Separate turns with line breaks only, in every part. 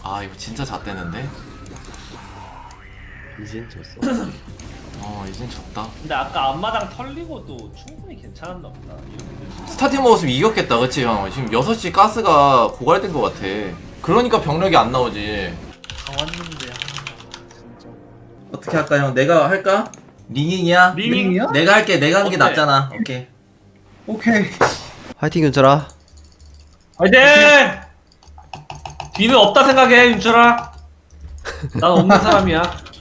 아 이거 진짜 잣대는데?
이젠 졌어.
이젠 졌다.
근데 아까 앞마당 털리고도 충분히 괜찮았나 보다.
스타팅 먹었으면 이겼겠다 그치 형? 지금 6시 가스가 고갈된 것 같아. 그러니까 병력이 안 나오지.
다 왔는데 진짜.
어떻게 할까 형? 내가 할까? 링잉이야?
링이야?
내가 할게. 내가 하는 게
어때?
낫잖아. 오케이.
오케이.
화이팅 윤철아.
화이팅! 뒤는 없다 생각해 윤철아. 난 없는 사람이야.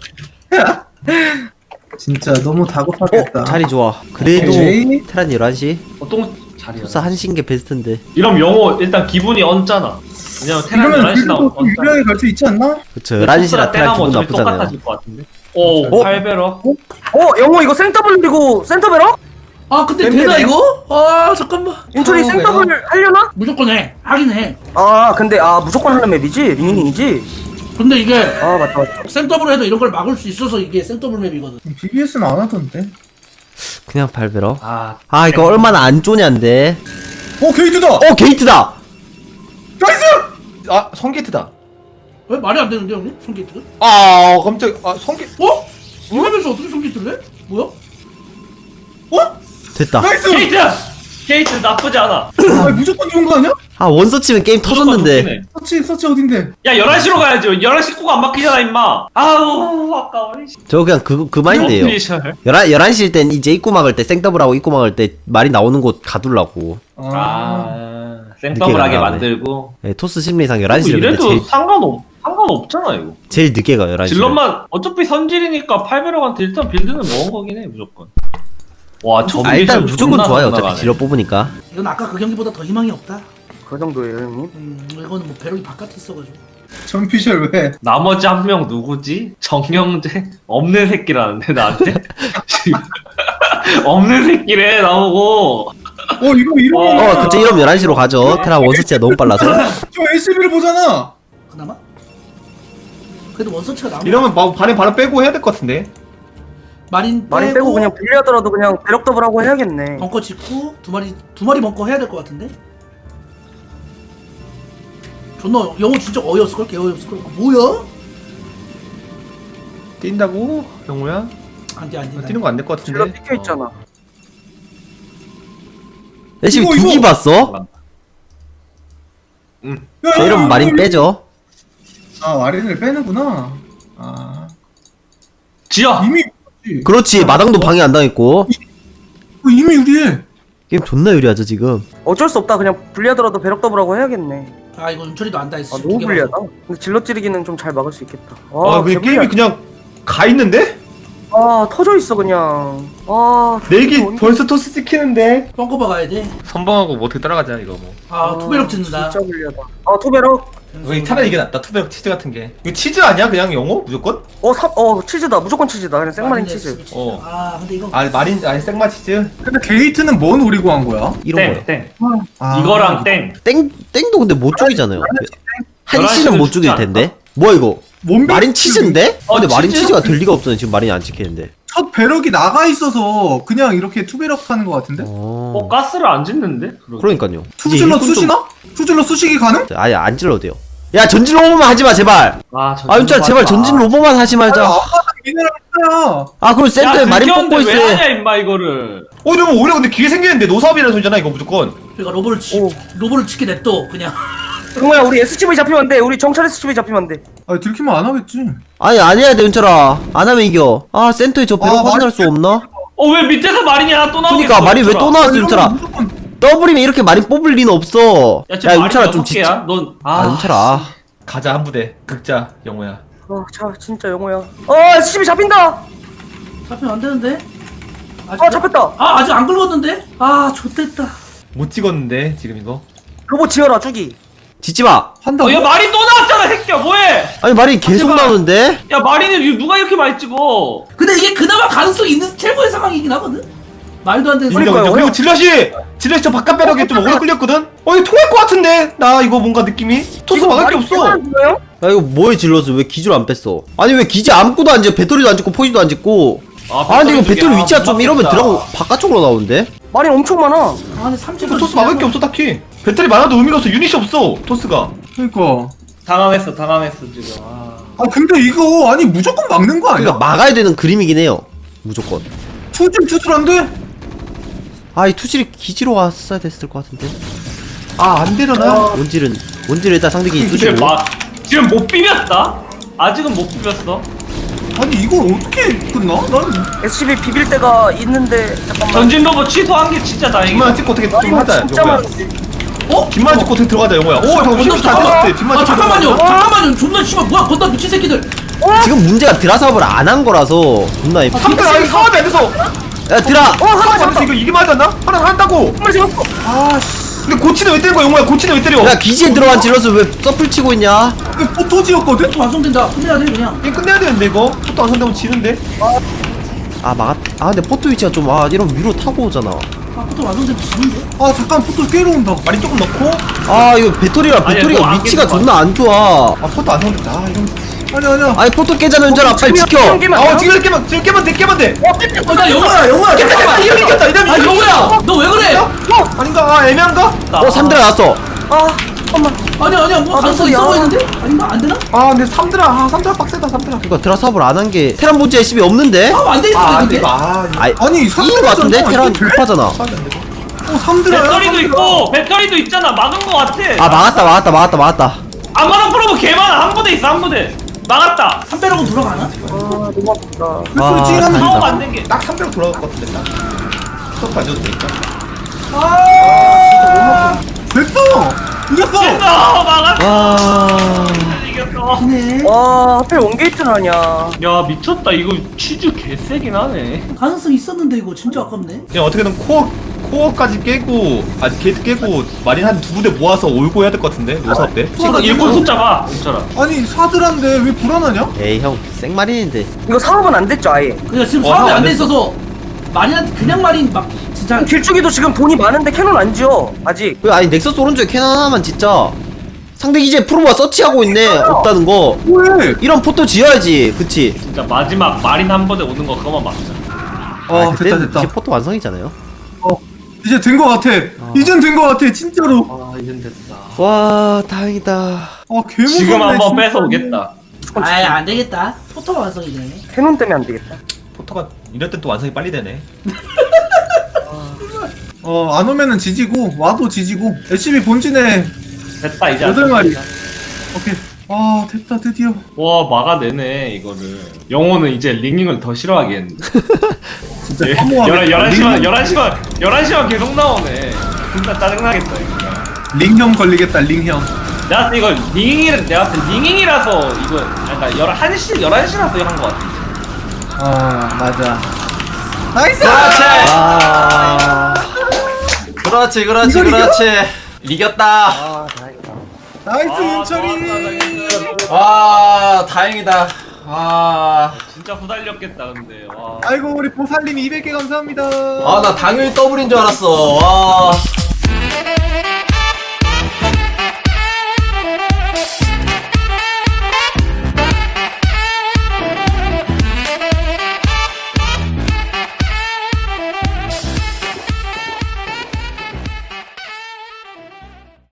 진짜 너무 다급하겠다.
자리 좋아. 그래도
오케이.
테란 11시.
보통 자리야.
토스 1시인 게 베스트인데.
이러면 영호 일단 기분이 얹잖아. 왜냐면 테란
이러면
11시 나오면
그래도 좀 유리하게 갈 수 있지 않나?
그쵸 11시라 테란 기분 나쁘잖아요.
똑같아질 것 같은데. 오, 8배럭.
영호 이거 생더블이고 센터베러?
아 근데 되나 이거? 아 잠깐만.
인철이 생더블 하려나?
무조건 해. 하긴 해.
아 근데 무조건 하는 맵이지? 링링이지?
근데 이게
맞다.
생더블 해도 이런 걸 막을 수 있어서 이게 생더블 맵이거든.
BBS는 안 하던데.
그냥 8배럭.
아,
이거 얼마나 안 쪼냐인데.
게이트다!
게이트다!
나이스!
아 성게이트다.
왜 말이 안 되는데 형님? 손게이트가?
아 깜짝. 아 성게.
어? 이 맵에서 어떻게 손게이트를 해? 뭐야?
됐다.
나이스!
게이트! 게이트 나쁘지 않아.
무조건 좋은 거 아니야?
원서치면 게임 터졌는데.
서치 어딘데?
야 11시로 가야지. 11시 꼭 안 막히잖아 임마. 아우 아까워.
저 그냥 그 마인드예요. 11시일 땐 이제 입구 막을 때 생더블하고 입구 막을 때 말이 나오는 곳 가둘라고.
생더블하게
늦게
만들고.
네, 토스 심리상 11시를 근데
이래도 상관없잖아 이거.
제일 늦게 가요 11시.
질럿만 어차피 선질이니까 8배럭한테 일단 빌드는 먹은 거긴 해 무조건. 와 저
일단 무조건 좋아요. 어차피 질럿 뽑으니까.
이건 아까 그 경기보다 더 희망이 없다.
그 정도예요 형님?
이거는 뭐 배럭이 바깥에 있어가지고.
전피셜 왜?
나머지 한 명 누구지? 정영재? 없는 새끼라는데 나한테? 없는 새끼래 나오고.
이러면
그쵸 이러면 11시로 가죠. 테란 원서치가 너무 빨라서.
저 SB를 보잖아.
그나마? 그래도 원서치가 나오면
이러면 반에 바로 빼고 해야 될 것 같은데.
마린
빼고 그냥 불리하더라도 그냥 배럭 더블하고 해야겠네.
벙커 짓고 두 마리 벙커 해야 될 것 같은데? 존나 영어 진짜 어이없을걸? 개 어이없을걸? 뭐야?
뛴다고 영호야?
안돼
뛰는 거 안 될 것
질러
같은데.
찍혀 있잖아.
애쉬 두기 봤어? 자, 이러면 마린 빼죠.
마린을 빼는구나.
지어!
이미
그렇지 마당도 방해 안 당했고.
이미 유리해.
게임 존나 유리하죠 지금.
어쩔 수 없다. 그냥 불리하더라도 배럭 더블하고 해야겠네.
이거 윤철이도 안다 했어.
너무 불리하다. 근데 질러 찌르기는 좀 잘 막을 수 있겠다.
그냥 게임이 그냥 가 있는데?
터져 있어 그냥.
내기 벌써 토스 찍히는데.
벙커 박아야 돼.
선방하고 뭐 어떻게 따라가자 이거 뭐.
투배럭 짓는다.
진짜 불리하다. 투배럭.
차라리 이게 낫다. 투베럭 치즈 같은 게. 이거 치즈 아니야 그냥 영호 무조건?
치즈다. 무조건 치즈다. 그냥 생마린 치즈.
근데 이거
아니 생마 치즈.
근데 게이트는 뭔 노리고 한 거야?
이런 거요.
땡. 이거랑 땡.
땡도 근데 못 죽이잖아요. 한시는
11시는
못 죽일
죽지
텐데. 뭐야 이거?
뭔
마린 치즈인데? 근데 마린
치즈?
치즈가 될 리가 없잖아요. 지금 마린이 안 찍히는데.
첫 배럭이 나가 있어서 그냥 이렇게 투배럭 하는 거 같은데?
가스를 안 짓는데?
그러니까요.
투질러 쑤시나? 투질러 쑤시기 가능?
아예 안 질러도 돼요. 야 전진 로보만 하지 마 제발. 윤철 제발 전진 로보만 하지 말자.
미네랄 있어요.
그럼 센터에 마린 뽑고 있어.
왜 하냐 임마 이거를.
이러면 오히려 근데 기회 생기는데 노사업이라는 소리잖아 이거 무조건.
그러니까 로보를 치게 냅둬 그냥.
정우야 우리 SCV 잡히면 안 돼. 우리 정찰 SCV 잡히면 안 돼.
들키면 안 하겠지.
아니 안 해야 돼 윤철아. 안 하면 이겨. 센터에 저 배럭 확인할 수 없나?
왜 밑에서 마린이 하나 또 나오겠어?
그니까 마린 왜 또 나왔어 윤철아.
무조건
더블이면 이렇게 마린 뽑을 리는 없어.
야
윤철아 좀 진짜.
넌
윤철아.
가자 한 부대. 극자 영호야.
진짜 영호야. SCV 잡힌다.
잡히면 안 되는데.
잡혔다.
아직 안 긁었는데? X됐다.
못 찍었는데 지금 이거.
로봇 지어라 주기.
짓지마.
한다고?
야 마린 또 나왔잖아 새끼야 뭐해?
아니 마린 계속
제발.
나오는데?
야 마린은 누가 이렇게 많이 찍어?
근데 이게 그나마 가능성 있는 최고의 상황이긴 하거든. 말도 안 되는
인정
소리.
인정. 그리고 질럿이 저 바깥 배럭에 좀 오래 끌렸거든? 이거 통할 것 같은데? 나 이거 뭔가 느낌이? 토스 막을 게 없어.
야 이거 뭐에 질러서 왜 기줄 안 뺐어? 아니 왜 기지 아무것도 안 짓고 배터리도 안 짓고 포지도 안 짓고. 근데 이거 배터리 위치가 좀 이러면 들어가고 바깥쪽으로 나오는데?
마린 엄청 많아.
근데 30분
토스 막을 게 없어 딱히. 배터리 많아도 의미가 없어. 유닛이 없어 토스가.
그러니까
당황했어 지금.
아 근데 이거 아니 무조건 막는 거 아니야?
그러니까 막아야 되는 그림이긴 해요. 무조건.
투질투질한데?
아, 이 투질이 기지로 왔어야 됐을 것 같은데.
아 안 되려나?
원질은 일단 상대기
지금
쑤시고.
지금 못 비볐다. 아직은 못 비볐어.
아니 이거 어떻게 끝나? 난
SCB 비빌 때가 있는데 잠깐만.
전진 로봇 취소한 게 진짜 다행이야.
뒷만 찍고 어떻게 좀 하자
진짜
영호야.
많은데.
어?
뒷만 찍고 어떻게 들어가자 영호야. 오 잠깐 힘이 안 됐을 때 뒷만
아
찍고
잠깐만요.
들어가자.
잠깐만요. 존나 씨발 뭐야 건다 미친 새끼들.
지금 문제가 드라사업을 안 한 거라서 존나
3대 아니 사업이 안 돼서.
야, 드라!
하나 잡았다.
이거 이게 맞지 않나? 하나 한다고.
한 마리 잡았어.
근데 고치는 왜 때린 거야 영호야? 고치는 왜 때려?
야, 기지에 들어간 질럿을 왜 서플 치고 있냐?
이거 포토지였거든?
또 완성된다. 끝내야 돼 그냥.
이거 끝내야 되는데 이거. 포토 안 선되면 지는데.
아, 근데 포토 위치가 좀, 이런 위로 타고 오잖아.
아 포토 완성되면 지는데.
아 잠깐 포토 깨러 온다.
말이 조금 넣고.
아, 이거 배터리가
뭐안
위치가
깼어.
존나 안 좋아.
아 포토 안 선된다. 아 이런.
아니야.
아니, 포토 깨자면 연전아, 빨리 지켜!
아 지금 깨면 돼.
나 영호야
잠깐만 이거 이겼다.
아 영호야 너 왜 그래?
아닌가? 아 애매한가?
3드라 나왔어!
잠깐만.
아니야 뭐
아,
가능성
무슨
있어
야.
보이는데? 아닌가 안 되나?
아 근데 3드라 빡세다 3드라.
그니까 드라사업을 안 한 게, 테란 본체 SB 없는데?
안 되겠다
아안
근데.
돼. 아
아니,
아니
이긴 거 같은데? 테란 급하잖아.
3드라야?
배터리도 있고 배터리도 있잖아. 막은 거 같아.
아, 막았다.
안마당 프로브 개 많아. 한 부대 있어 한 부대. 막았다.
3배럭은 돌아가나?
너무 아프다.
배터리 찡하는
다행이다.
사업 안 된 게.
딱 300 돌아갈 것 같은데 딱. 스톱 안 줘도 되니까.
됐어! 이겼어!
됐어 막았어.
와.
이겼어.
네.
와 하필 원게이트는 하냐.
야 미쳤다. 이거 치즈 개세긴 하네.
가능성 있었는데 이거 진짜 아깝네.
그냥 어떻게든 코어까지 깨고 게이트 깨고 마린 한 2부대 모아서 올고 해야 될 것 같은데 노사업 때.
지금 일꾼 숫자 봐. 진짜라.
아니 4드라인데 왜 불안하냐?
에이, 형, 생마린인데.
이거 사업은 안 됐죠 아예.
그냥 지금
어,
사업이
안
안 돼
됐어.
있어서 마린한테 그냥 마린 막 진짜
길쭉이도 지금 돈이 많은데 캐논 안 지어 아직.
왜, 아니, 넥서스 오른쪽에 캐논 하나만 진짜. 상대 기지에 프로모가 서치하고 있네, 없다는 거.
왜?
이런 포토 지어야지, 그치?
진짜 마지막 마린 한 부대 오는 거 그거만 막자.
아
그때는
됐다
이제 포토 완성이잖아요.
이제 된 거 같아. 이젠 된 거 같아 진짜로.
아 이젠 됐다.
와, 다행이다.
아 개무섭네
지금 한번
진짜.
뺏어 오겠다.
아예 안 되겠다. 포토가 완성이 되네.
캐논 때문에 안 되겠다.
포토가 이럴 땐 또 완성이 빨리 되네.
안 오면은 지지고 와도 지지고. SCB 본진에
됐다 이제.
8마리. 오케이. 아 됐다 드디어.
와 막아내네 이거를. 영호는 이제 링링을 더 싫어하겠는데.
진짜
예,
허무하겠다.
11시만 계속 나오네. 진짜 짜증나겠다 이거.
링형 걸리겠다 링형.
내가 봤을 때 이거 내가 봤을 때 링잉이라서 이거 약간 11시라서 이거 한 거 같아.
맞아. 나이스!
그렇지. 이겼다.
나이스 윤철이.
와, 다행이다. 아,
진짜 후달렸겠다 근데. 와.
아이고 우리 보살님 200개 감사합니다.
나 당일 더블인 줄 알았어. 와.